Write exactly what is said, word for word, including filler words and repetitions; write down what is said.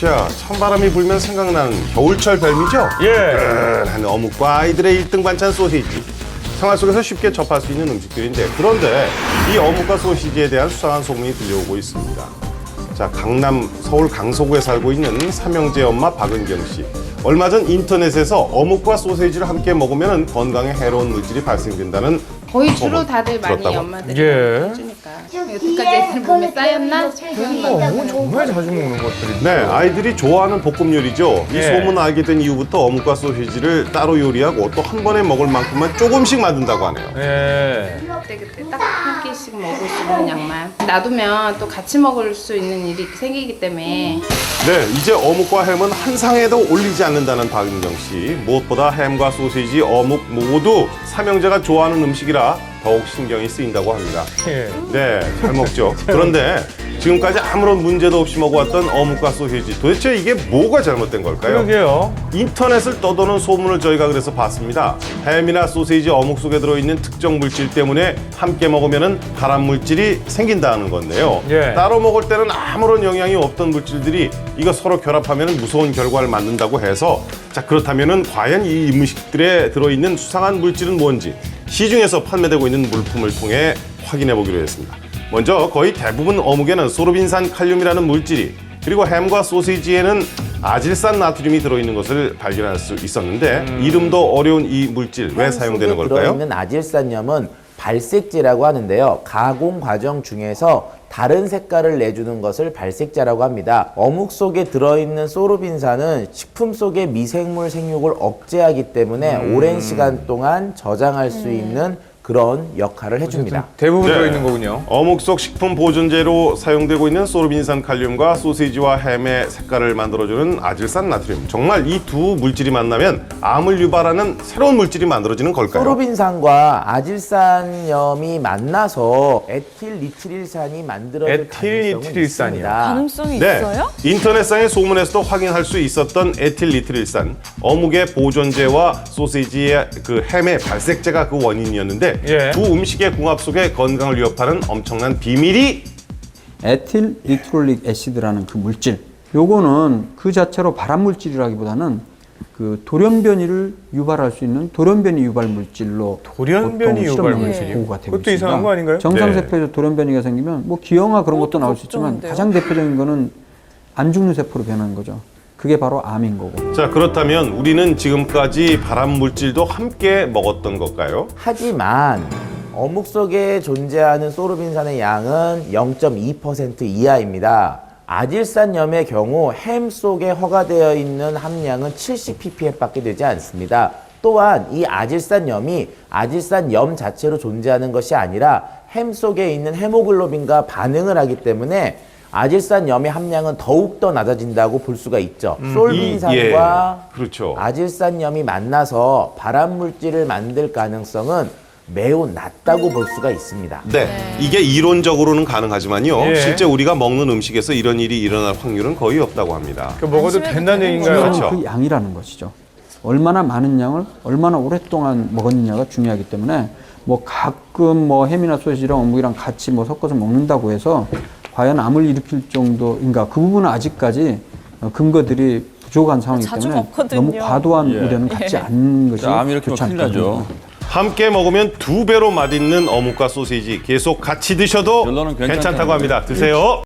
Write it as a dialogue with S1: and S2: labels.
S1: 자, 찬바람이 불면 생각나는 겨울철 별미죠?
S2: 예.
S1: 한 어묵과 아이들의 일 등 반찬 소시지. 생활 속에서 쉽게 접할 수 있는 음식들인데, 그런데 이 어묵과 소시지에 대한 수상한 소문이 들려오고 있습니다. 자, 강남 서울 강서구에 살고 있는 삼형제 엄마 박은경 씨. 얼마 전 인터넷에서 어묵과 소시지를 함께 먹으면 건강에 해로운 물질이 발생된다는
S3: 거의 주로
S1: 소문
S3: 다들 많이
S1: 들었다고?
S3: 엄마들이
S2: 예.
S3: 해주니까 여태까지 애들 몸에 쌓였나? 그런
S2: 어,
S3: 거
S2: 뭐 정말 자주 먹는 것들이.
S1: 네, 아이들이 좋아하는 볶음 요리죠. 이
S2: 예.
S1: 소문 알게 된 이후부터 어묵과 소시지를 따로 요리하고 또 한 번에 먹을 만큼만 조금씩 만든다고 하네요.
S2: 예.
S3: 그때그때 딱 한 끼씩 먹을 수 있는 양만 놔두면 또 같이 먹을 수 있는 일이 생기기 때문에
S1: 네, 이제 어묵과 햄은 한 상에도 올리지 않는다는 박은경 씨. 무엇보다 햄과 소시지, 어묵 모두 삼형제가 좋아하는 음식이라 더욱 신경이 쓰인다고 합니다.
S2: 예.
S1: 네, 잘 먹죠. 그런데 지금까지 아무런 문제도 없이 먹어왔던 어묵과 소시지, 도대체 이게 뭐가 잘못된 걸까요?
S2: 그러게요.
S1: 인터넷을 떠도는 소문을 저희가 그래서 봤습니다. 햄이나 소시지, 어묵 속에 들어있는 특정 물질 때문에 함께 먹으면 발암 물질이 생긴다는 건데요.
S2: 예.
S1: 따로 먹을 때는 아무런 영향이 없던 물질들이 이거 서로 결합하면 무서운 결과를 만든다고 해서, 자, 그렇다면 과연 이 음식들에 들어있는 수상한 물질은 뭔지 시중에서 판매되고 있는 물품을 통해 확인해 보기로 했습니다. 먼저 거의 대부분 어묵에는 소르빈산 칼륨이라는 물질이, 그리고 햄과 소시지에는 아질산 나트륨이 들어있는 것을 발견할 수 있었는데,
S2: 음.
S1: 이름도 어려운 이 물질 왜
S4: 햄
S1: 사용되는
S4: 속에
S1: 걸까요?
S4: 들어있는 아질산염은 발색제라고 하는데요. 가공 과정 중에서 다른 색깔을 내주는 것을 발색제라고 합니다. 어묵 속에 들어있는 소르빈산은 식품 속의 미생물 생육을 억제하기 때문에
S1: 음.
S4: 오랜 시간 동안 저장할 수 있는 그런 역할을 해줍니다.
S2: 대부분
S1: 네.
S2: 들어있는 거군요.
S1: 어묵 속 식품 보존제로 사용되고 있는 소르빈산 칼륨과 소시지와 햄의 색깔을 만들어주는 아질산 나트륨. 정말 이 두 물질이 만나면 암을 유발하는 새로운 물질이 만들어지는 걸까요?
S4: 소르빈산과 아질산염이 만나서 에틸리트릴산이 만들어질 가능성은
S2: 에틸리트릴산이요?
S4: 있습니다.
S5: 가능성이
S1: 네,
S5: 있어요?
S1: 인터넷상의 소문에서도 확인할 수 있었던 에틸리트릴산, 어묵의 보존제와 소시지의 그 햄의 발색제가 그 원인이었는데,
S2: 예.
S1: 두 음식의 궁합 속에 건강을 위협하는 엄청난 비밀이
S6: 에틸 리트롤릭 애시드라는 그 물질, 요거는 그 자체로 발암 물질이라기보다는 그 돌연변이를 유발할 수 있는 돌연변이 유발 물질로
S2: 돌연변이
S6: 보통
S2: 유발
S6: 실험에
S2: 물질이요?
S6: 보고가 되고
S2: 그것도
S6: 있습니다.
S2: 이상한 거 아닌가요?
S6: 정상세포에서 돌연변이가 생기면 뭐 기형아 그런 것도
S5: 그것도
S6: 나올 수 있지만
S5: 걱정인데요?
S6: 가장 대표적인 거는 안 죽는 세포로 변하는 거죠. 그게 바로 암인 거고.
S1: 자, 그렇다면 우리는 지금까지 발암 물질도 함께 먹었던 걸까요?
S4: 하지만 어묵 속에 존재하는 소르빈산의 양은 영 점 이 퍼센트 이하입니다. 아질산염의 경우 햄 속에 허가되어 있는 함량은 칠십 ppm밖에 되지 않습니다. 또한 이 아질산염이 아질산염 자체로 존재하는 것이 아니라 햄 속에 있는 헤모글로빈과 반응을 하기 때문에 아질산염의 함량은 더욱더 낮아진다고 볼 수가 있죠. 솔빈산과
S1: 예, 그렇죠.
S4: 아질산염이 만나서 발암 물질을 만들 가능성은 매우 낮다고 볼 수가 있습니다.
S1: 네, 이게 이론적으로는 가능하지만요.
S2: 예.
S1: 실제 우리가 먹는 음식에서 이런 일이 일어날 확률은 거의 없다고 합니다.
S2: 그 먹어도
S5: 안심해도
S2: 된다는
S5: 되는
S2: 얘기인가요?
S6: 중요한
S1: 그렇죠.
S6: 그 양이라는 것이죠. 얼마나 많은 양을 얼마나 오랫동안 먹었느냐가 중요하기 때문에 뭐 가끔 뭐 햄이나 소시지랑 어묵이랑 같이 뭐 섞어서 먹는다고 해서 과연 암을 일으킬 정도인가, 그 부분은 아직까지 어, 근거들이 부족한 상황이기
S5: 자주
S6: 때문에
S5: 먹거든요.
S6: 너무 과도한 우려는 갖지 않는 것이
S7: 암 일으키면
S6: 좋지
S7: 큰일
S6: 않겠죠.
S7: 나죠.
S1: 함께 먹으면 두 배로 맛있는 어묵과 소시지 계속 같이 드셔도
S7: 결론은
S1: 괜찮다고
S7: 괜찮다는데.
S1: 합니다. 드세요.